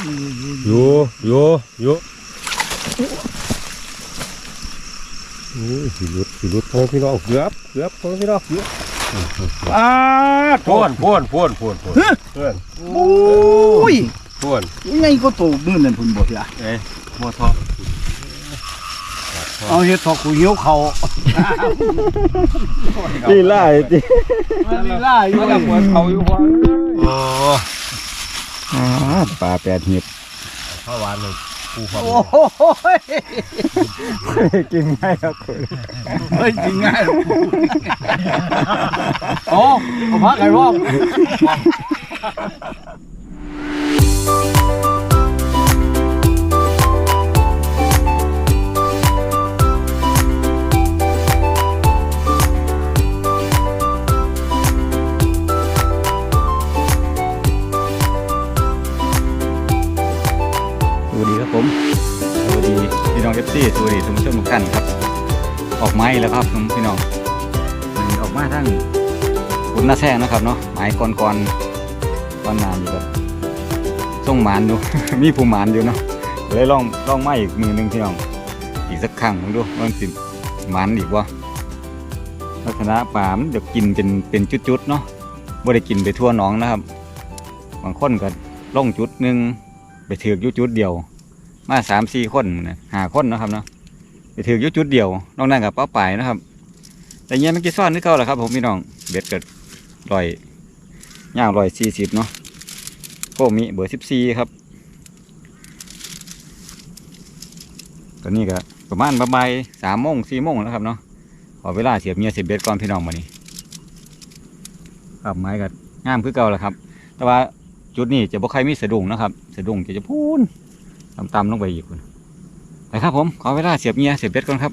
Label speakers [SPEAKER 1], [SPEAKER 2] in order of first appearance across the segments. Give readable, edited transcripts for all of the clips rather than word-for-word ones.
[SPEAKER 1] อยู่โอ้ยสิลุดพ่อพี่น้องเกือบพ่อพี่น้องเกือบพ่วนโอ้ยพ่วน
[SPEAKER 2] ไงก็โตมื้อนั้นพุ่นบ่ล่ะ
[SPEAKER 1] บ่ทอ
[SPEAKER 2] เอาเฮ็ดทอกูหิวเขา
[SPEAKER 1] ลีลาจิ
[SPEAKER 2] ลีลาอยู่กับเขาอยู่ว่า
[SPEAKER 1] ปลา8 หีบข้าวหวานเลยปูความ
[SPEAKER 2] โอ้ย
[SPEAKER 1] กินง่ายครับคุณ
[SPEAKER 2] เฮ้ยกินง่ายโอ้เอาพักไก่รอบ
[SPEAKER 3] สวัสดีครับผมสวัสดีพี่น้องFCสวัสดีท่านผู้ชมทุกท่านครับออกไม้แล้วครับพี่น้องมันออกมาทั้งขุนนาแซงนะครับเนาะไม้ก้อนนานอยู่แบบส่งหมานอยู่ มีผู้หมานอยู่เนาะเลยลองไม้อีกมือนึงพี่น้องอีกสักครั้งลองดูว่าสิหมานอีกว่าลักษณะปลามันจะกินเป็นจุดๆเนาะบ่ได้กินไปทั่วหนองนะครับบางคนก็ล่องจุดนึงไปถือกจุดเดียวมา3-4 คน5 คนนะครับเนาะไปถือกจุดเดียวนอกนั้นกับเป้าป่ายนะครับแต่เงี้ยมันกี่ซ่อนนึกเก่าแหละครับผมพี่น้องเบ็ดเกิด140เนาะโกมิเบอร์14ครับตอนนี้ก็ประมาณบ่าย3 โมง 4 โมงแล้วครับเนาะขอเวลาเสียบเงี้ยเสียบเบ็ดก่อนพี่น้องมานี่ครับไม้ก็งามคือเก่าแหละครับแต่ว่าจุดนี้จะบ่ใครมีสะดุ้งนะครับสะดุ้งจะพูนต่ำลงไปอีกคนไปครับผมขอเวลาเสียบเงี้ยเสียบเบ็ดก่อนครับ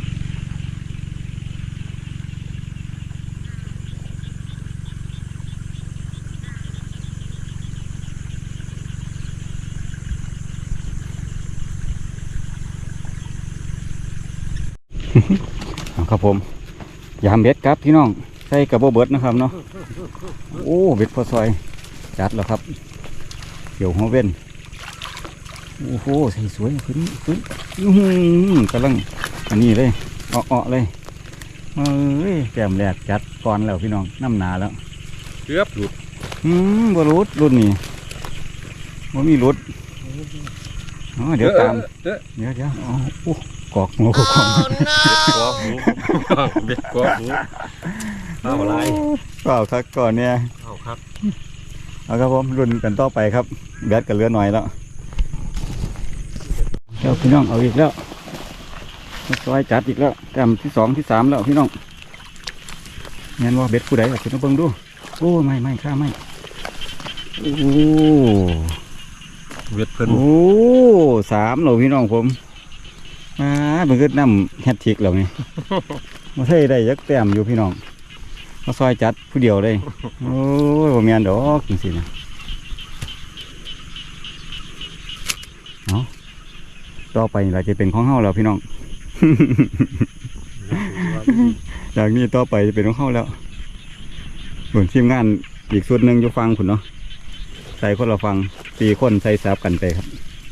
[SPEAKER 3] ครับผมยามเบ็ดครับพี่น้องใส่กระโบเบิดนะครับเนาะโอ้เบ็ดพอซอยจัดแล้วครับเกี่ยวหัวเว้นโอ้โหใส่สวยขึ้นกำลังอันนี้เลยอ้อเลยแก้มแรกจัดก่อนแล้วพี่น้องน้ำหนาแล้ว
[SPEAKER 1] เกือบหลุด
[SPEAKER 3] บ่รุดรุ่นนี้บ่มีรุดเดี๋ยวตามเดี๋ยวกอกงูกอก
[SPEAKER 1] หูเบ็ดกอกหูเอาอะไร
[SPEAKER 3] เปล่าครับก่อนเนี่ย
[SPEAKER 1] เอาครับ
[SPEAKER 3] เอาครับผมรุ่นกันต่อไปครับแบดกันเหลือหน่อยแล้วเดี๋ยวพี่น้องเอาอีกแล้วซอยจัดอีกแล้วแต้มที่ 2 ที่ 3แล้วพี่น้องเงี้ยว่าเบ็ดผู้ใดล่ะพี่น้องเบิ่งดูโอ้ไม่ข้าไม่โอ้
[SPEAKER 1] เบ็ดเพิ่น
[SPEAKER 3] โอ้3แล้วพี่น้องผมมันก็น้ำแฮตทิกแล้วนี่มาเท่ได้ยักแต้มอยู่พี่น้องมาซอยจัดผู้เดียวเลยโอ้ยผมมีอันดอกจริงๆนะต่อไปเราจะเป็นของเฮาแล้วพี่น้อง จากนี้ต่อไปจะเป็นของเฮาแล้วส่วนทีมงานอีกส่วนหนึ่งจะฟังคุณเนาะใส่คนละฟัง4 คนใส่ซับกันไปครับ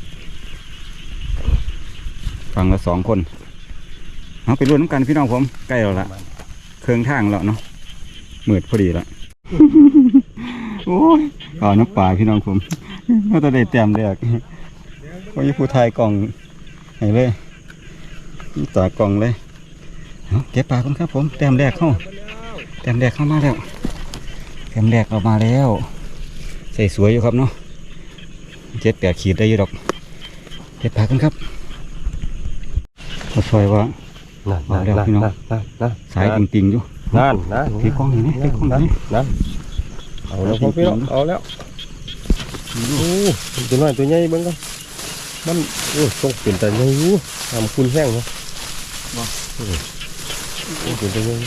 [SPEAKER 3] ฟังละ2 คนเอาไปร่วมกันพี่น้องผมใกล้แล้วละเครื่องทางแล้วเนาะมืดพอดีแล้ว โอ้ยน้ำปลาพี่น้องผมก็จะได้เต็มเลยก็ยิ่งผู้ไทยกล่องไหนเลยต่อกล่องเลยเก็บปลาคนครับผมเต็มแรกเข้ามาแล้วเต็มแรกออกมาแล้วใส่สวยอยู่ครับเนาะ7-8 ขีดได้อยู่ดอกเก็บปลาคนครับก็ช่วยว่ามาแล้วพี่น้องสายติ่งอยู่
[SPEAKER 1] นั่น
[SPEAKER 3] พี่กล้องนี่พี่กล้องนี่
[SPEAKER 1] เอาแล้วพี่น้องเอาแล้วโอ้ตัวน้อยตัวใหญ่เบิ้งกันมันโอ้ต้องเปลี่ยนแต่ใหญ่อยู่ทำคุณแห้งเนาะเปลี่ยนแต่ใหญ่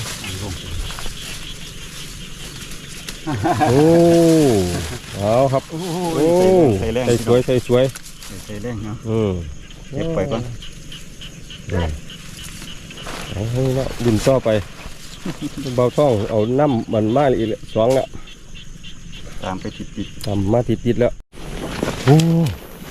[SPEAKER 1] โอ้เอาครับโอ้ใส่สวยใส่
[SPEAKER 3] แรงเนาะเก็บไปก่อน
[SPEAKER 1] เอาให้เนาะดินต่อไปเบาท่องเอาน้ำมันมาอีก2แล้ว
[SPEAKER 3] ตามไปติด
[SPEAKER 1] ตามมาติดแล้วโอ้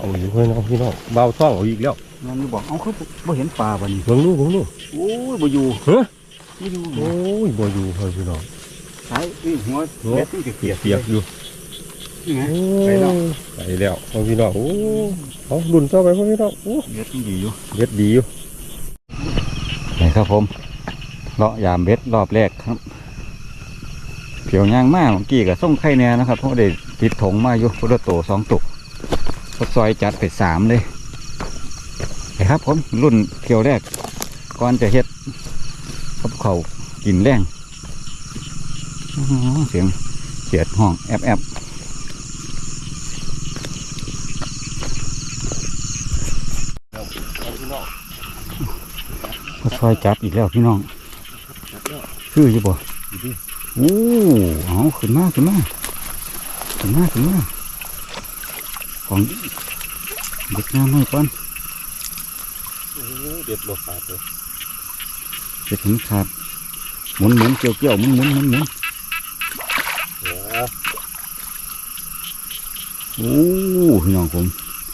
[SPEAKER 1] เอาอีกพี่น้องเบาท่องเอาอีกแล้ว
[SPEAKER 3] งั้นบอกเอาเขาบ่เห็นปลาบ่นี่
[SPEAKER 1] เบิ่งดู
[SPEAKER 3] โอ้ยบ่อยู่
[SPEAKER 1] เฮ้ย
[SPEAKER 3] บ่อยู่
[SPEAKER 1] โอ้ยบ่อยู่พี่น้อง
[SPEAKER 3] สายหัวเบ็ดมันเปียก
[SPEAKER 1] เปียกอยู่
[SPEAKER 3] นี่ไง
[SPEAKER 1] ไปแล้วพี่น้องโอ้เอาดุนต่อไปพี่น้องโอ้
[SPEAKER 3] เบ็ดมันดีอยู่
[SPEAKER 1] เบ็ดดีอยู่
[SPEAKER 3] นี่ครับผมเลาะยามเบ็ดรอบแรกครับเผียวย่างมากเมื่อกี้กับส่งไข่แน่นะครับเพราะได้ติดถงมาอยู่พุทธโต2 ตุกก็ซอยจัดไป3เลยนะครับผมรุ่นเขียวแรกก่อนจะเฮ็ดกับเขากินแรงเสียงเสียดห้องแอบก็ซอยจัดอีกแล้วพี่น้องคืออยู่บ่โอ้เอาขึ้นมาของเด็กงามหน่อยก่อน
[SPEAKER 1] เด็ดบ่ขาดเลย
[SPEAKER 3] เด็กถึงขาดหมุนเกี่ยวหมุนโอ้พี่น้องผม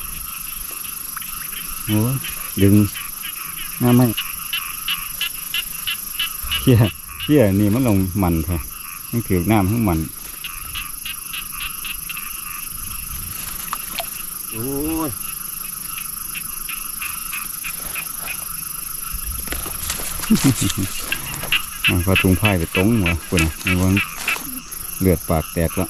[SPEAKER 3] โอ้ดึงน้าไม่เชี่ยนี่มันลงมันแท้มันถือน้ำทั้งมัน
[SPEAKER 1] โอ้ย
[SPEAKER 3] มันก็ตุงไพ่ไปตรงหัวคนน่ะไอ้วันเลือดปากแตกแล้ว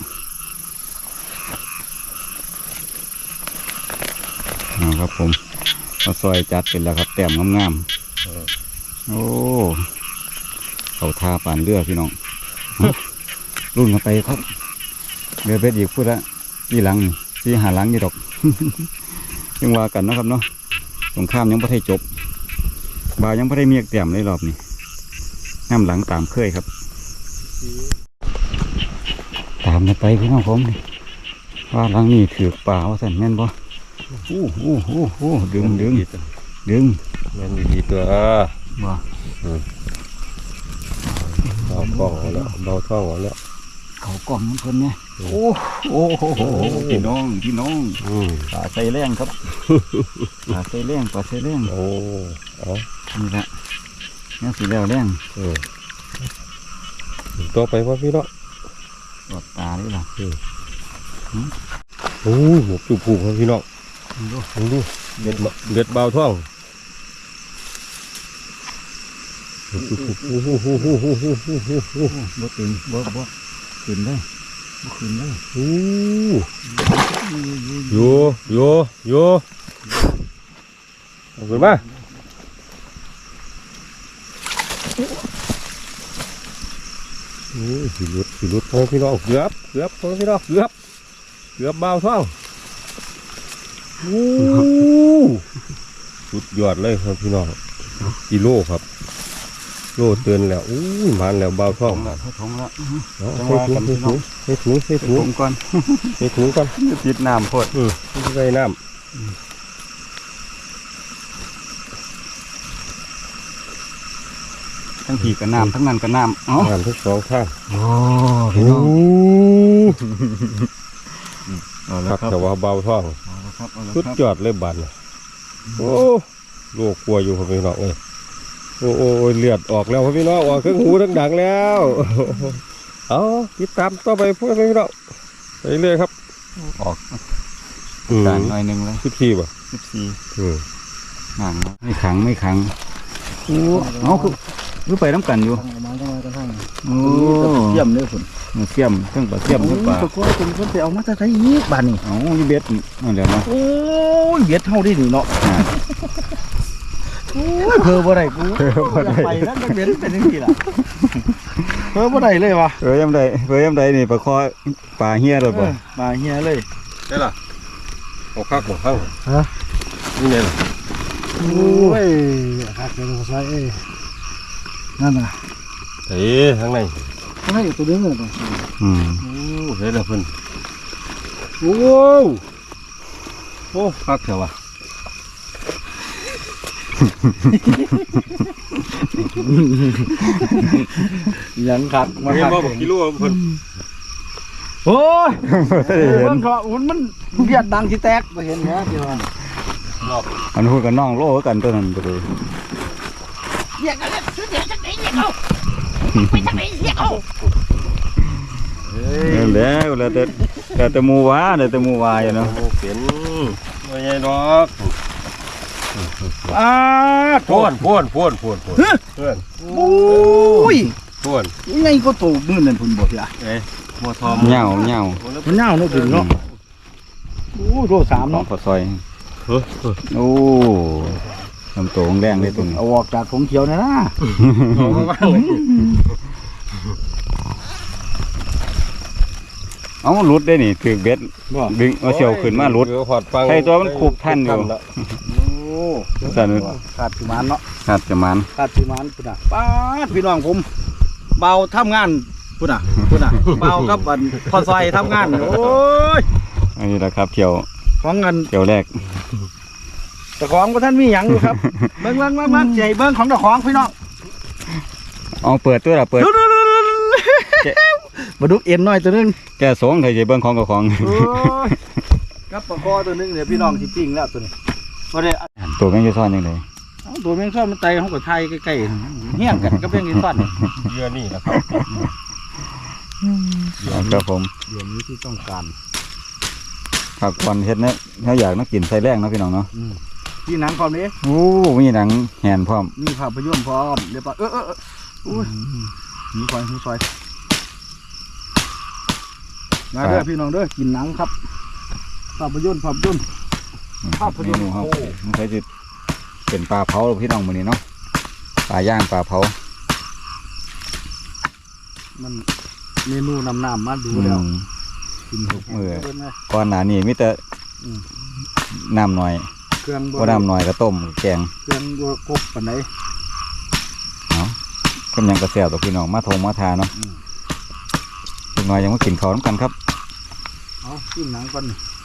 [SPEAKER 3] ครับผมมาซอยจัดเป็นแล้วครับแต้มงามๆโอ้เขาทาป่านเรือพี่น้อง รุ่นกันไปครับเรือเป็ดอีกพูดละที่หลังที่หาหลังนี่ดอก ยังว่ากันนะครับเนาะสงครามยังไม่ได้จบบายังไม่ได้เมียกแต้มเลยรอบนี้น้ำหลังตามเคยครับตามกันไปพี่น้องผมว่าหลังนี้ถือป่าว่าสั่นแม่นบ่ดึง
[SPEAKER 1] แม่นดีตัว
[SPEAKER 3] ว่า
[SPEAKER 1] เอากล้องเอาแล้วเบาท่องเอาแล้ว
[SPEAKER 3] เขากล่องน้ำเพลินเนี่ยโอ้พี่น้องปลาใส่แรงครับปลาใส่แรง
[SPEAKER 1] โอ้เอา
[SPEAKER 3] นี่แหละนี่สีแล้วแรง
[SPEAKER 1] ต่อไปว่าพี่เนาะ
[SPEAKER 3] ตรวจตาด้วยล่ะ
[SPEAKER 1] โอ้หมกจุกผูกครับพี่น้องดูเด็ดเบาท่อง
[SPEAKER 3] บ่ตึงบ่ขึ้นได้บ่ขึ้นได้
[SPEAKER 1] โยเอาขึ้นมาสีรุดพี่น้องเกือบพี่น้องเกือบเบาท่องสุดยอดเลยครับพี่น้องกิโลครับโลเตือนแล้วมันแล้วเบาท่องมา
[SPEAKER 3] ให้ถุงแล้ว
[SPEAKER 1] ให้ถุง
[SPEAKER 3] ก่อน ติดน้ำพด
[SPEAKER 1] ใส่น้ำ
[SPEAKER 3] ทั้งผีกับน้ำทั้งนั้นกับน้ำอ๋อ
[SPEAKER 1] น้ำทั้ง2ข้าง
[SPEAKER 3] โอ้พี่น้อง
[SPEAKER 1] ครับแต่ว่าเบาท่องสุดยอดเลยบันโอ้โลกกลัวอยู่ครับพี่น้องโอ้เลือดออกแล้วครับพี่น้องออกเครื่องหูทั้งดังแล้วเอาติดตามต่อไปพวกพี่น้องไปเรื่อยครับ
[SPEAKER 3] ออกต่างหน่อยนึงเลย
[SPEAKER 1] 14ป่ะ
[SPEAKER 3] 14ห่างไม่ขังเอาคือไปน้ำกันอยู่โอ้เยี่ยมเลยคุณเยี่ยมทั้งปลาเยี่ยมทั้งปลา
[SPEAKER 2] ก็คุณคนไปเอามาจากไหนอีกบ้านนี่
[SPEAKER 3] เอาอยู่เบ็ดนั่นแหละเนาะ
[SPEAKER 2] โอ้ยเบ็ดเท่าได้หนิเนาะโอ้ยเพอบ่ได้กูไปนั่นเบ็ดเป็นยังไงล่ะเพอบ่ได้เลยวะ
[SPEAKER 3] เพอยำใดนี่ปลาคอปลาเฮียเลยป่ะ
[SPEAKER 2] ปลาเฮียเลย
[SPEAKER 1] ใช่ล่ะเอาคักหมดข้างนี่ไงล่ะ
[SPEAKER 2] โอ้ยคักเลยใส่นั่นน่ะ
[SPEAKER 1] ข้างใน
[SPEAKER 2] ให้ตัวเด้งเลย
[SPEAKER 1] เห็นแล้วเพิ่นโอ้คักเถอะวะ
[SPEAKER 2] ยังคัก
[SPEAKER 1] มาคักกิโลเพิ่น
[SPEAKER 2] โอ้ย
[SPEAKER 1] ไม่ได้เห็น
[SPEAKER 2] เบิ่งเถอะมันเลียดดังที่แตกบ่เห็นเหรอเดี๋ยว
[SPEAKER 3] อันพูดกับน้องโลกันตัวนั้นไปเลย
[SPEAKER 4] เรียกกันเลยซื้อเดี๋ยวจักไหนเรียกเอาไปจักไหนเรียกเอา
[SPEAKER 3] แล้วแต่หมูวาอยู่เนาะ
[SPEAKER 1] เป็นไม่ใช่ดอก
[SPEAKER 2] พ่น
[SPEAKER 1] พ่นเพื่อน
[SPEAKER 2] โอ้ย
[SPEAKER 1] พ่น
[SPEAKER 2] ยังไงก็โตมื้อนั้นพุ่นบ่เสีย
[SPEAKER 1] บัวทอม
[SPEAKER 3] เหงา
[SPEAKER 2] มันยาวเนาะถึงเนาะโอ้โล3
[SPEAKER 3] น้อง
[SPEAKER 2] เนาะ
[SPEAKER 3] ขอซอยโอ้ลำตัวแดงเลยตัวนี้
[SPEAKER 2] เอาออกจากของเขียวนะนะ
[SPEAKER 3] เอาหลุดได้นี่ถือเบ็ด
[SPEAKER 2] บ่
[SPEAKER 3] ดึงเอาเสียวขึ้นมาหลุด ใช่ตัวมันคูบทันอยู่
[SPEAKER 2] โอ้
[SPEAKER 3] สั่น
[SPEAKER 2] ขาดสิมานเนาะ
[SPEAKER 3] ขาดจะมัน
[SPEAKER 2] ขาดสิมานพุ่นน่ะป้าดพี่น้องผมเบาทำงานพุ่นน่ะเบากับอันพอซอยทำงานโอ้ย
[SPEAKER 3] อันนี้แหละครับเที่ยว
[SPEAKER 2] ของเงิน
[SPEAKER 3] เที่ยวแรก
[SPEAKER 2] เจ้าของบ่ท่านมีหยังอยู่ครับ เบิ่งใจเบิ่งของเจ้าของพี่น้อง
[SPEAKER 3] เอาเปิดตัวละเปิด
[SPEAKER 2] มาดุกเอ็นหน่อยตัวนึง
[SPEAKER 3] แกสงไทยเบิ้งของกับของ
[SPEAKER 2] โอ้ยกับปลาคอตัวนึงเนี่ยพี่น้องสิปิ้งแล้วตัวนี้บ่ได้
[SPEAKER 3] ตัวแมงจะซ่อนยังไง
[SPEAKER 2] เอาตัวแมงซ่อนมันไตเฮาก็ไทยใกล้ๆเฮี้ยงกันกับแมงอีซ่อน
[SPEAKER 1] เยื่อนี่นะครับ
[SPEAKER 3] ครับผม
[SPEAKER 2] เดี๋ยวนี้ที่ต้องการ
[SPEAKER 3] ผักควันเฮ็ดเนี่ยเขาอยากนักกินใส่แรงเนาะพี่น้องเนาะ
[SPEAKER 2] ที่หนังความนี้
[SPEAKER 3] โอ้มีหนังแหนพร้อม
[SPEAKER 2] มีภาพยนตร์พร้อมเรียบร้อยอุ้ยหิวซอยมาเด้อพี่น้องเด้อกินหนังครับภาพยนตร์ ภาพยนตร์
[SPEAKER 3] เมนูครับมันใช้จะเป็นปลาเผาพี่น้องมื้อนี้เนาะปลาย่างปลาเผา
[SPEAKER 2] มันเมนูน้ำมาดูแล้วกินหก
[SPEAKER 3] ก่อนหน้านี้มีแต่น้ำหน่อย
[SPEAKER 2] เครื่อง
[SPEAKER 3] บ่น้ำหน่อยก็ต้มแกง
[SPEAKER 2] เครื่องบ่ครบปานใด
[SPEAKER 3] กำยังกระเสียวต่อพี่น้องมาทงมาทาเนาะอีกหน่อยยังมากินข้าวน้ำกันครับ
[SPEAKER 2] เอากินหนังก่อน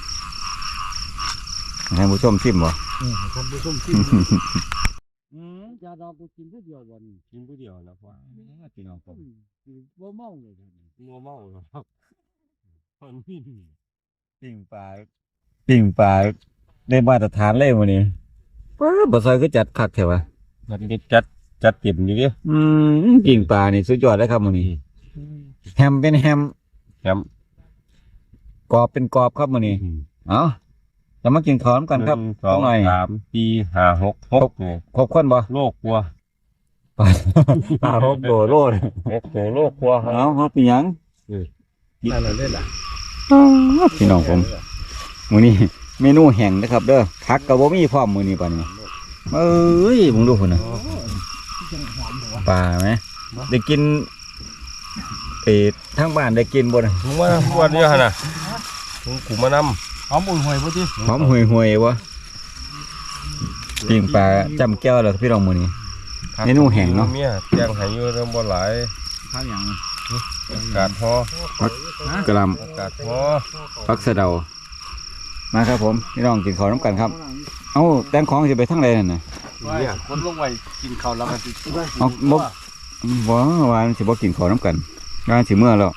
[SPEAKER 3] ให้ผู้ชมชิมบ่
[SPEAKER 2] คนผู้ชมกินยาดอกกูกินผู้เดียววัน
[SPEAKER 1] กินผู้เดียวนะพ่อ
[SPEAKER 3] พี่น้องผม
[SPEAKER 2] บ่เมาเลย
[SPEAKER 1] งัวเมาครับคนนี่
[SPEAKER 3] ปิ้งปลาได้มาตรฐานเลยวันนี้บ่ซอยคือจัดคักแถวะ
[SPEAKER 1] มันจัดเต็มอยู่ดิ
[SPEAKER 3] ปิ้งปลานี่สุดยอดเลยครับวันนี้แฮมเป็นแฮม
[SPEAKER 1] แฮม
[SPEAKER 3] กรอบเป็นกรอบครับวันนี้เอาจะมากินข้าวน้ำกันครับ
[SPEAKER 1] สอง
[SPEAKER 3] หน่อย
[SPEAKER 1] 3 4 5 6นี่
[SPEAKER 3] ครบคนบ่
[SPEAKER 1] โลกกลัว
[SPEAKER 3] ปลาหกโลโลเลย
[SPEAKER 1] โลกกลัวครับ
[SPEAKER 3] เอาเขาเป็นหยัง
[SPEAKER 2] นั่นน่ะเล่นล่ะ
[SPEAKER 3] พี่น้องผมมื้อนี้เมนูแห้งนะครับเด้อผักก็บ่มีพร้อมมื้อนี้ป่านนี้เอ้ยมึงดูพุ่นน่ะปลาไหมได้กินทางบ้านได้กินบ่น่ะ
[SPEAKER 1] มึงมาปวดเนี่ยฮะน่ะมึงกูมาน
[SPEAKER 2] หอมอุ่นห่วยบ่ติ
[SPEAKER 3] หอมห่วยๆวะปิ้งปลาจำแก้วแล้วพี่น้องมื้อนี้
[SPEAKER 1] ำ
[SPEAKER 3] เมนูแห้งเนาะ
[SPEAKER 1] เมียแจงให้อยู่เรื่องบ่หลาย
[SPEAKER 2] ทางหยัง
[SPEAKER 1] อากาศฮอก
[SPEAKER 3] ระหล
[SPEAKER 1] อากาศฮอ
[SPEAKER 3] ำผักสะเดามาครับผมพี่น้องกินข้าวน้ำกันครับเอ้าแต่งของสิไปทางใดนั่นน่ะ
[SPEAKER 1] เนี่ย
[SPEAKER 2] คนลงไว้กินข้าวแล้วก็สิ
[SPEAKER 3] เอาบ่ว่ามันสิบ่กินข้าวน้ำกันงานสิเมื่อแล้ว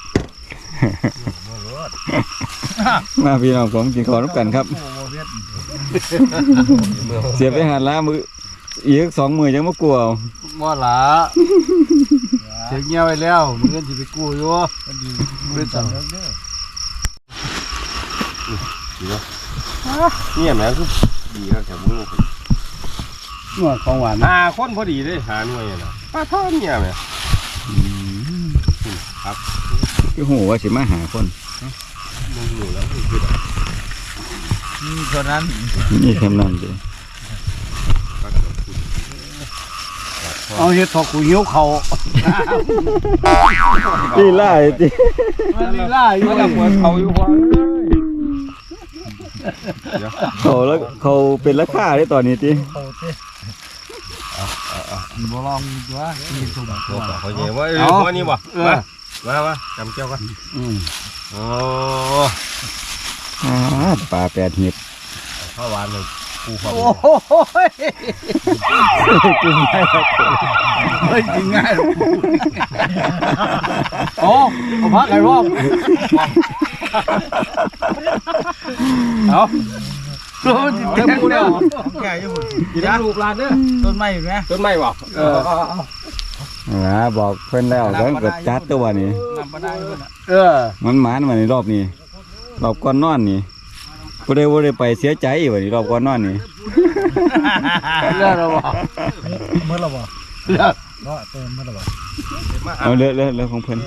[SPEAKER 3] มาพี่น้องผมกินข้าวน้ำกันครับ เสียไปหาล้ามืออีก2 มื้อยังบ่กลัวเอา
[SPEAKER 2] บ่ล่ะเสียเงียบไปแล้วมึงเงินสิไปกู้อยู่เป็นจัง
[SPEAKER 1] เนี่ยแม่คือดีครับแถวมึง
[SPEAKER 2] หัวของหวาน
[SPEAKER 1] คนพอดีเลยหาหน่วยน่ะปลาทอดเนี่ยแม่
[SPEAKER 3] คือหูว่าสิมาหาคน
[SPEAKER 1] มึงอยู่แล้วมึงคือ
[SPEAKER 2] เท่านั้น
[SPEAKER 3] นี่ทำนั่นดิ
[SPEAKER 2] เอาเฮ็ดทอกูหิวเขา
[SPEAKER 3] ตีไล่ติ
[SPEAKER 2] มันลีลาอยู่
[SPEAKER 1] มันเหมือนเขาอยู่ว่า
[SPEAKER 3] เขาแล้วเขาเป็นราคาได้ตอนนี้ติ
[SPEAKER 2] บ่ลองตัวมีสุ่มตัว
[SPEAKER 1] เขาเยอะว่าว่านี่บ่มาจำเจ้ากันโอ้
[SPEAKER 3] ปลา8 หีบ
[SPEAKER 1] ข้าวหวานเลย
[SPEAKER 2] โอ้โหกินง่ายเฮ้ยกินง่ายโอ้เอาพักไก่ร่องเอาเต็มมูแล้วแก่อยู่กินลูกหลานเด้อต้นไม้อยู่ไหมต้นไม้บ่
[SPEAKER 3] บอกเพิ่นแล้วแล้วก็จัดตัวนี้ มันหมานมาในรอบนี้รอบก่อนนอนนี่บ่ได้ไปเสียใจวันนี้รอบก่อนนอนนี่
[SPEAKER 2] เลือดเราบ่
[SPEAKER 4] เมื่อเราบ่
[SPEAKER 2] เลือด
[SPEAKER 4] เนาะเติมเมื่อเราบ่
[SPEAKER 3] เอาเลือของเพิ่น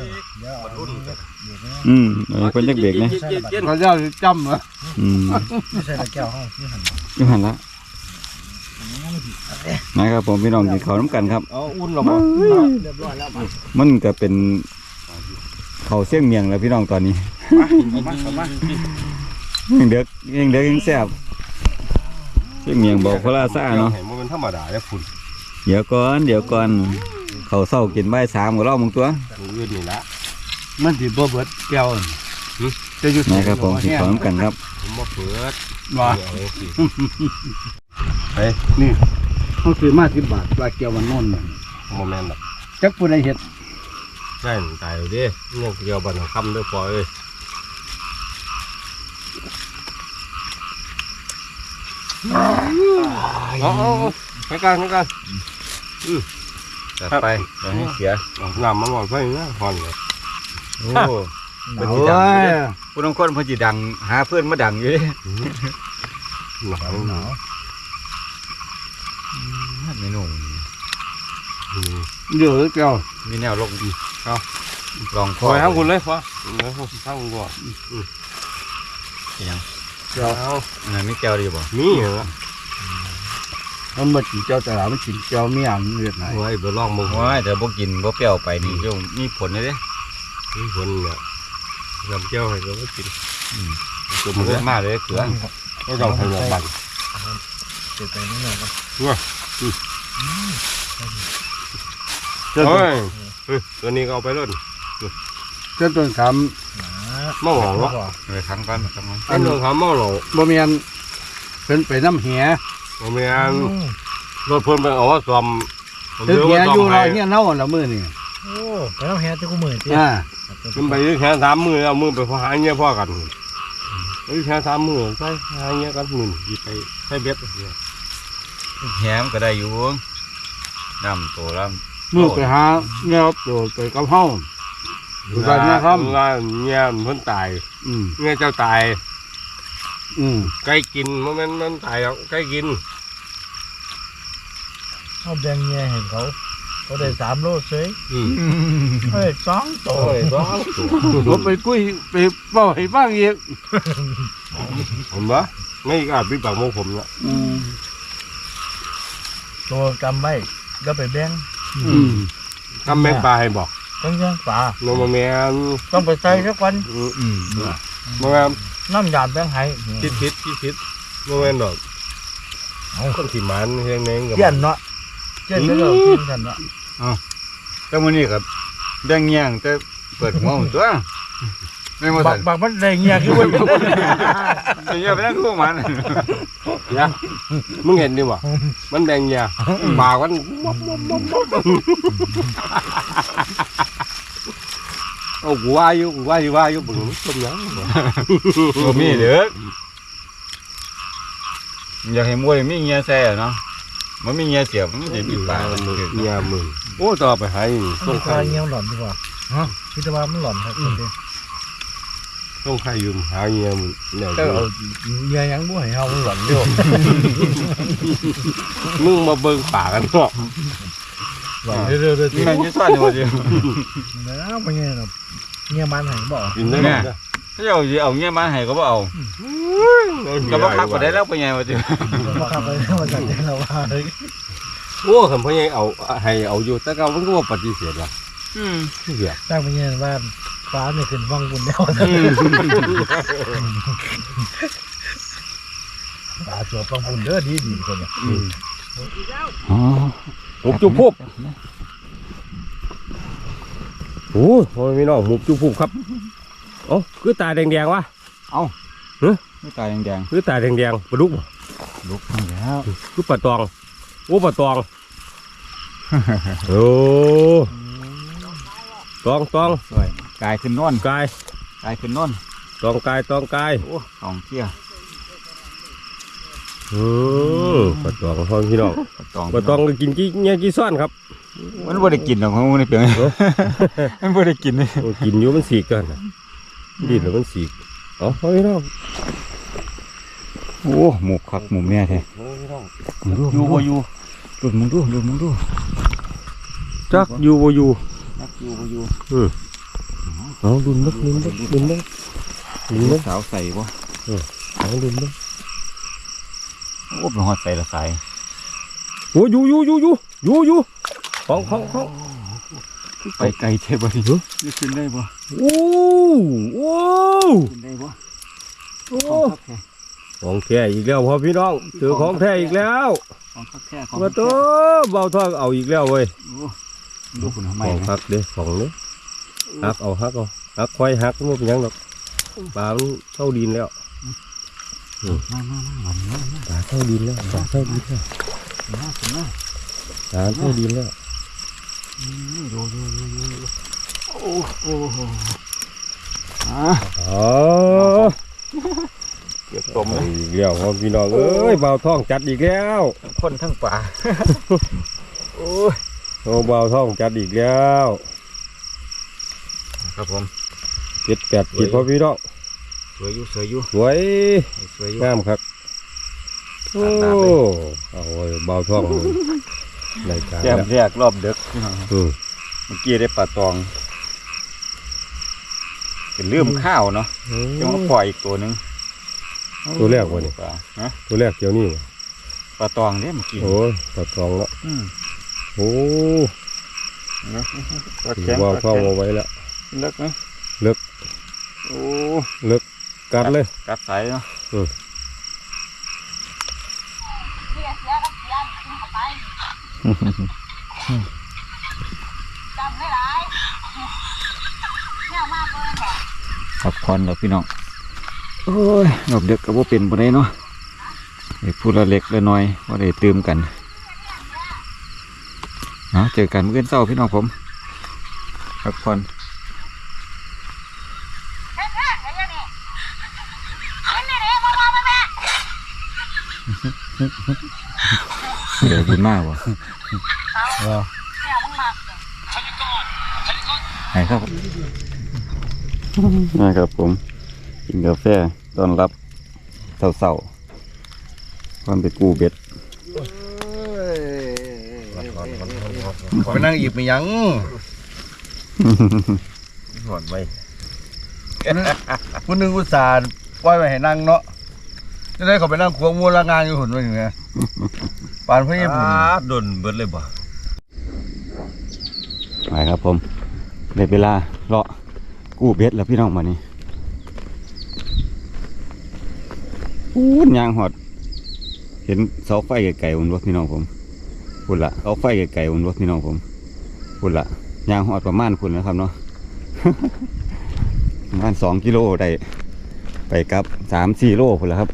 [SPEAKER 3] เพิ่นจักเบรกนะ
[SPEAKER 2] เขาเจ้าจำเหรอ
[SPEAKER 4] ไม่ใช่แก้วห้องที่หัน
[SPEAKER 3] อยู่หันละนะครับผมพี่น้องกินข้าวน้ำกันครับ
[SPEAKER 2] เอาอุ่นหรอบ่
[SPEAKER 4] เรียบร้อยแล้ว
[SPEAKER 3] มันก็เป็นข้าวเสี่ยงเมียงแล้วพี่น้องตอนนี้ยังเด็กยังแซ่บเสี่ยงเมียงบอกพระราชาเนาะ
[SPEAKER 1] มันธรรมดาแล้วฝุ่น
[SPEAKER 3] เดี๋ยวก่อนเขาเศร้ากินใบ3กับเรามึงตัว
[SPEAKER 1] อื่นนี่ละ
[SPEAKER 2] มันสิบ่เบิดแก้วจะอยู่
[SPEAKER 3] นะครับผมกินข้าวน้ำกันครับ
[SPEAKER 1] ผมมาเปิด
[SPEAKER 2] ว่า
[SPEAKER 1] เฮ้ย
[SPEAKER 2] นี่เขาซื้อมา10 บาทปลาแก้วมันนนน่ะ
[SPEAKER 1] โมเมนต์แบบ
[SPEAKER 2] จักผู้ใดเฮ็ด
[SPEAKER 1] ใช่ตายเลยดิเนี่ยเกี่ยวบันคำด้วยปล่อยเลยเอาไปกันจัดไปอย่าให้เสียน้ำมันหวานไปนะหอนเลยโอ้
[SPEAKER 3] เพิ่นสิดังอยู่เด้ผู้น้องคนเพิ่นสิดังหาเพื่อนมาดังอยู่เด้
[SPEAKER 1] หนาว
[SPEAKER 3] เมนู
[SPEAKER 2] เยอะแก้ว
[SPEAKER 3] มีแนวลงดีลอง
[SPEAKER 1] คอยทั้งคุณเลยฟ้าเลยทั้งคุณก่อน
[SPEAKER 2] แก้ว
[SPEAKER 3] อันนั้นมีแก้วดีบ่
[SPEAKER 1] มีเหรอ
[SPEAKER 2] มันบ่กินแก้วตลาดมันกินแก้วเมียงเลือดไหน
[SPEAKER 1] โอ้ยเบอร์ลองมึง
[SPEAKER 3] โอ้ยแต่บ่กินบ่เปรี้ยวไปนี่เดี๋ยวมีผลเลยเด้
[SPEAKER 1] มีคนเนี่ยยำเจ้าให้เราก็กิน
[SPEAKER 3] ตัวมันเยอะมากเลยเกลือ
[SPEAKER 1] ก็ต้องให้เราบั่น
[SPEAKER 4] เจ็บไปนิดหน่อยครับ
[SPEAKER 1] โอ้ยตัวนี้ก็เอาไปรุ่น
[SPEAKER 2] เจ้าต้นขาม
[SPEAKER 1] มะหลงวะ
[SPEAKER 3] ครั้งก่อน
[SPEAKER 1] อันนี้ขามมะหลง
[SPEAKER 2] บ่แม่นเพิ่นไปน้ำแห
[SPEAKER 1] ผมมีอันรถเพิ่นไปเอาว่าซ่อม
[SPEAKER 2] ถึงแหอยู่เราเฮียเน่าละมื้อนี่
[SPEAKER 4] โอ้ไปแล้วแฮที่กูมือที่
[SPEAKER 1] มันไปแค่3 มือเอามือไปหาเงี้ยพ่อกันไปแค่3 มือใส่หาเงี้ยกันมือไปใส่เบ็ด
[SPEAKER 3] แหมก็ได้อยู่น้ำโตแล้ว
[SPEAKER 2] มื้อไปหาแนวโดดไปกับเฮาอยู่บ้านนะครับ
[SPEAKER 1] เงี้ยเพิ่นตาย เงี้ยเจ้าตายไก่กินมันตายแล้วไก่กิน
[SPEAKER 4] เขาแบ่งเงี้ยเห็นเขาได้3 โลเฉยเฮ้ย2 ตัว
[SPEAKER 1] โอ้ยร้อง
[SPEAKER 2] ผมไปคุยไปเว้าให้ฟังอีก
[SPEAKER 1] ผมวะไม่อาจปิดปากโมผมละ
[SPEAKER 4] ตัวกำไว้แล้วไปแบ่ง
[SPEAKER 1] ทำแม่ปลาให้บอก
[SPEAKER 4] ต้องย่างปลา
[SPEAKER 1] โนมาแมน
[SPEAKER 4] ต้องไปใส่สักวัน
[SPEAKER 1] มาแมน
[SPEAKER 4] น้ำยาแบ่งให้
[SPEAKER 1] คิดโมแมนดอกคนที่มันเฮียงเน้งกับ
[SPEAKER 4] เย็นเนาะเย็นแล้วก็กินกันเนาะ
[SPEAKER 3] แต่มื้อนี้ก็แบ่งแย่งแต่เปิดหัวผมตัวไม่มา
[SPEAKER 4] บั
[SPEAKER 3] สั่
[SPEAKER 4] ก
[SPEAKER 3] น
[SPEAKER 4] บักมันได้เงี้ยคือว่า
[SPEAKER 3] อย่าไปนั่งคู่มัน
[SPEAKER 1] เนี่ยมึงเห็นดิวะมันแดงเงียปากมันเอากูว่าอยู่บึงต้มยำ
[SPEAKER 3] บ่มีเด้ออยากให้มวยมีเงี้ยแซ่เนาะมันมีเงี้ยเสียบมันจะมีปลา
[SPEAKER 1] เงียมึงโอ้ต่อไปหายต้
[SPEAKER 4] ต้
[SPEAKER 1] อ
[SPEAKER 4] อง ง
[SPEAKER 1] ไข่
[SPEAKER 4] คายเงี้ยหล่อนดีกว่าฮะคิดว่ามันหล่อนครับ
[SPEAKER 1] ต้องไข่ยืมหาเงียมึงเนี่ย
[SPEAKER 4] ก็เอาเงี้ยยังบ่ให้เฮามันหล่อนอยู่
[SPEAKER 1] มึงมาเบิ่งปากกันเนาะ
[SPEAKER 4] หล่อนเรื่อยๆ
[SPEAKER 3] นี่มันจะซ่อนอยู่บ่เดียว
[SPEAKER 4] แล้วมันเงี้ยแบบเงี้ยมันให้บ่
[SPEAKER 1] กินได้ไหม
[SPEAKER 3] ถ้าเอาสิเอาเงี้ยมาให้ก็บ่เอาก็บ่คักบ่ได้แล้วไปไงว่าจิ
[SPEAKER 4] มาขับไปมาจากที่เราว่าเลย
[SPEAKER 1] โอ้คำพ่อใหญ่เอาให้เอาอยู่แต่ก็มันก็ว่าปฏิเสธว่ะเหี้ย
[SPEAKER 4] ตั้งไปเงี้ยว่าฟ้าเนี่ยขึ้นฟังบุญแล้วฟ้าชัวฟังบุญเด้อดีคนเนี่ย
[SPEAKER 3] อ๋อ
[SPEAKER 1] หุบจุบพุบโอ้โหพี่น้องหุบจุบพุบครับโอ้คือตาแดงๆวะ
[SPEAKER 3] ไม่ตายแดง
[SPEAKER 1] คือตาแดงๆปลาดุก
[SPEAKER 3] ๆลุกแล้ว
[SPEAKER 1] คือปลาตองโอ้ปลาตองโอ้ตอง
[SPEAKER 3] สวยกายขึ้นนอน
[SPEAKER 1] กาย
[SPEAKER 3] กายขึ้นนอน
[SPEAKER 1] ตองกาย
[SPEAKER 3] โอ้สองเที่ย
[SPEAKER 1] ปลาตองพ่อพี่น้อง
[SPEAKER 3] ตอง
[SPEAKER 1] ปลาตองก็กินกี่เนี่ยกี่ซ่อนครับ
[SPEAKER 3] มันบ่ได้กินหรอกมันนี่เพียงมันบ่ได้กินเลย
[SPEAKER 1] โอ้กินอยู่มันสีกกันนะดิ้นแล้วมันสีกเอาพ่อพี่น้อง
[SPEAKER 3] โอ้หมูคักหมูแม่แท้มึงดู
[SPEAKER 2] อยู่บ่อยู่
[SPEAKER 3] ดูมึงดู
[SPEAKER 1] จักอยู่บ่อยู่
[SPEAKER 3] นักอยู่บ่อยู่
[SPEAKER 1] เอาดุนนักดุน
[SPEAKER 3] สาวใส่บ่
[SPEAKER 1] เอาดุนนัก
[SPEAKER 3] โอ้เป็นฮอดใส่ละสาย
[SPEAKER 1] โอ้อยู่ของ
[SPEAKER 3] ไปไกลเท่บ่ดินี่ขึ้นได้บ่
[SPEAKER 1] โอ้
[SPEAKER 3] ขึ้นได้บ่
[SPEAKER 1] ของแท้อีกแล้วพ่อพี่น้องเจอของแท้อีกแล้ว
[SPEAKER 3] ของคักแท้ของ
[SPEAKER 1] มาตัวเบาทองเอาอีกแล้วเว้ย
[SPEAKER 3] ดูคุณทำไม
[SPEAKER 1] ของฮักเด้ของเด้ฮักเอาควายฮักมันเป็นหยังดอกปลามันเข้าดินแล้ว
[SPEAKER 3] มา
[SPEAKER 1] ปลาเข้าดินแล้วปลาเข้าดินแล้วปลาเข้าดินแล้ว
[SPEAKER 3] ดูโอ้
[SPEAKER 1] อ๋อ
[SPEAKER 3] เก็บตม
[SPEAKER 1] อีกแล้วพ่อพี่น้องเอ้ยเบาทองจัดอีกแล้ว
[SPEAKER 3] คนทั้งป่าโอ้
[SPEAKER 1] โอ้เบาทองจัดอีกแล้ว
[SPEAKER 3] ครับผม
[SPEAKER 1] 7-8 ขีดพ่อพี่น้อง
[SPEAKER 3] สวยอยู่
[SPEAKER 1] สวย
[SPEAKER 3] อยู่
[SPEAKER 1] งามครับโอ้เอาไว้เบาทองในการ
[SPEAKER 3] แก้ม
[SPEAKER 1] แล้ว
[SPEAKER 3] แรกรอบดึกเมื่อกี้ได้ปลาตองเป็นลืมข้าวเนาะจะมาปล่อยอีกตัวหนึ่ง
[SPEAKER 1] ตัวแรกวะนี่
[SPEAKER 3] ปลาฮะ
[SPEAKER 1] ตัวแรกเกี่ยวนี่วะ
[SPEAKER 3] ปลาตองเนี่ยเมื่อกี้
[SPEAKER 1] โอ้ยปลาทองแล้วโอ้
[SPEAKER 3] ปลา
[SPEAKER 1] ถื
[SPEAKER 3] แข็
[SPEAKER 1] อง ว่าเข้าเอาไว้แล้ว
[SPEAKER 3] เลิกไหม
[SPEAKER 1] เลิก
[SPEAKER 3] โอ้
[SPEAKER 1] เลิกกัดเลย
[SPEAKER 3] กัดสายเนาะ พักผ่อนแล้วพี่น้องโอ้ยหลบเด็กก็บ่เป็นบ่ได้เนาะไอ้พูดละเล็กละน้อยบ่ได้ตื่มกันเจอกันเมื่อเช้าพี่น้องผมพักผ่อนเดี๋ยวบุญมากวะไหนครับนะครับผมกินกาแฟต้อนรับเศร้าๆความไปกู้เบ็ด
[SPEAKER 2] ไปนั่งอีกไม่ยัง
[SPEAKER 1] หอดไว้
[SPEAKER 2] ผู้หนึงอุตส่าห์ปล่อยไว้ให้นั่งเนาะจะได้เขาไปนั่งควงมูลงานอยู่หุ่นไว้อย่างเงี้ยปานพี่ปุ่น
[SPEAKER 1] โดนเบิดเลยบ่
[SPEAKER 3] ไปครับผมได้เวลาเลาะกู้เบ็ดแล้วพี่น้องมานี่ยางหอดเห็นเสาไฟไกลๆอุ่นวะพี่น้องผมพุ่นละเสาไฟไกลๆอุ่นวะพี่น้องผมพุ่นละยางหอดประมาณพุ่นนะครับเนาะ ประมาณ2 กิโลได้ไปกับ 3-4 โลพุ่นละครับ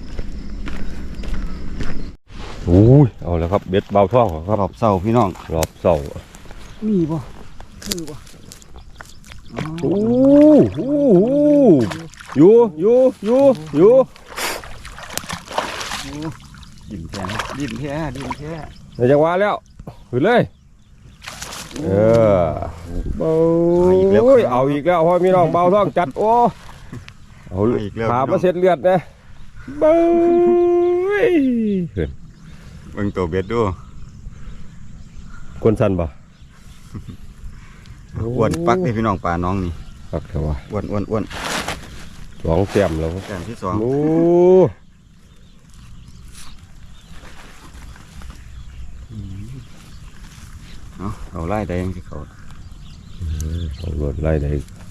[SPEAKER 1] โอ้ยเอาแล้วครับเบ็ดเบาท้องครับ
[SPEAKER 3] รอบเสาพี่น้อง
[SPEAKER 1] รอบเสา
[SPEAKER 3] มีบ่คือบ่
[SPEAKER 1] โอ้โหอยู่
[SPEAKER 3] ดินแท้ดินแท้ดินแท้
[SPEAKER 1] ในจังหวะแล้วขึ้นเลยเบาเอาอีกแล้วพ่อพี่น้องเบาท้องจัดโอ้เอาขามาเสร็จเลือดนะเบาขึ้น
[SPEAKER 3] เบิ่งตัวเบ็ดดู
[SPEAKER 1] คนสั่นบ่
[SPEAKER 3] อ้วนปักนี่พี่น้องปลาน้องนี่
[SPEAKER 1] ปักเถอะวะ
[SPEAKER 3] อ้วน
[SPEAKER 1] 2 เต็มแล้ว
[SPEAKER 3] แต้มที่ 2
[SPEAKER 1] โอ้
[SPEAKER 3] เอาไล่ได้ยังที่เขา
[SPEAKER 1] เอารถไล่ได้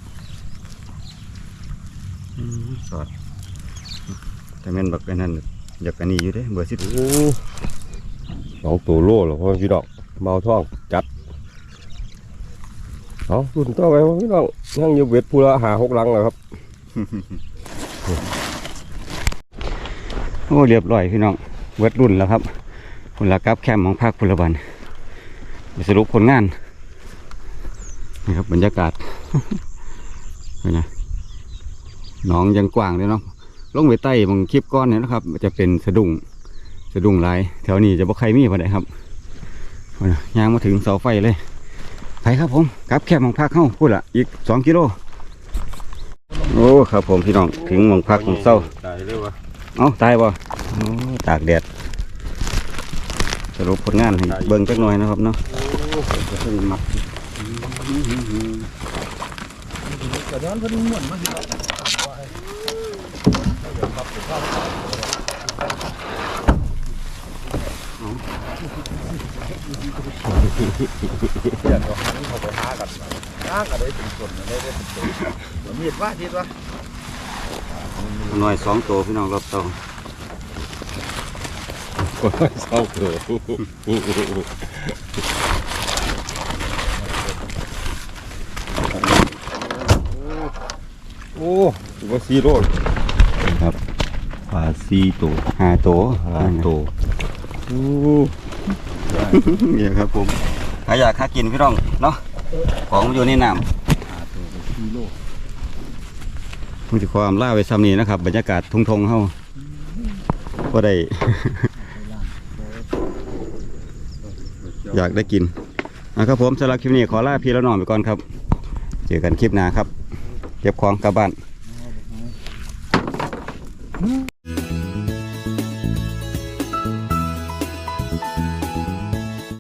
[SPEAKER 3] สอดแต่แม่นบักเป็นนั่นอยากอันนี้อยู่เด้เบอร์10
[SPEAKER 1] โอ้2 ตัวโลแล้วพ่อพี่น้องเบาท้องจัดเอารุ่นต่อไปพ่อพี่น้องยังอยู่เบ็ดพูละ5-6 หลังแล้วครับ
[SPEAKER 3] โอ้เรียบร้อยพี่น้องเวิร์ดรุ่นแล้วครับผลกราฟแคมป์ของภาคพลบันสรุปผลงานนี่ครับบรรยากาศ เป็นไงหนองยังกว้างเลยเนาะลงไปใต้บางคลิปก้อนเนี่ยนะครับมันจะเป็นสะดุ้งหลายแถวนี้จะบ่ใครมีปะได้ครับย่างมาถึงเสาไฟเลยไปครับผมกราฟแคมป์ของภาคเข้าพูดละอีก2 กิโลโอ้ครับผมพี่น้องถึงหมองพักของเศร้า
[SPEAKER 1] ตายเลยวะ
[SPEAKER 3] เอ้าตายบ่โอ้ตากแดดสรุปผลงานให้เบิ่งจักหน่อยนะครับเนาะ
[SPEAKER 2] แต่ย้อนเพิ่นม่วนมาสิเดี๋ยวเขาไปหากันได้เป็นคนได้เป็นตัวมีดว่าทิศว่า
[SPEAKER 3] หน่อย2 ตัวพี่น้องรอบต่อ
[SPEAKER 1] ก็เศร้าเกิดโอ้ถือว่าซีโร่
[SPEAKER 3] ครับ
[SPEAKER 1] ปลาซีตัว
[SPEAKER 3] 5 ตัว
[SPEAKER 1] ตัวโอ้
[SPEAKER 3] นี่ครับผมใครอยากหากินพี่น้องเนาะของมันอยู่ในน้ำผมจะความล่าไว้ซ้ำนี้นะครับบรรยากาศทงๆเฮาก็ได้ อยากได้กินนะครับผมสำหรับคลิปนี้ขอลาพี่แล้วน้องไปก่อนครับเจอกันคลิปหน้าครับเก็บของกลับบ้าน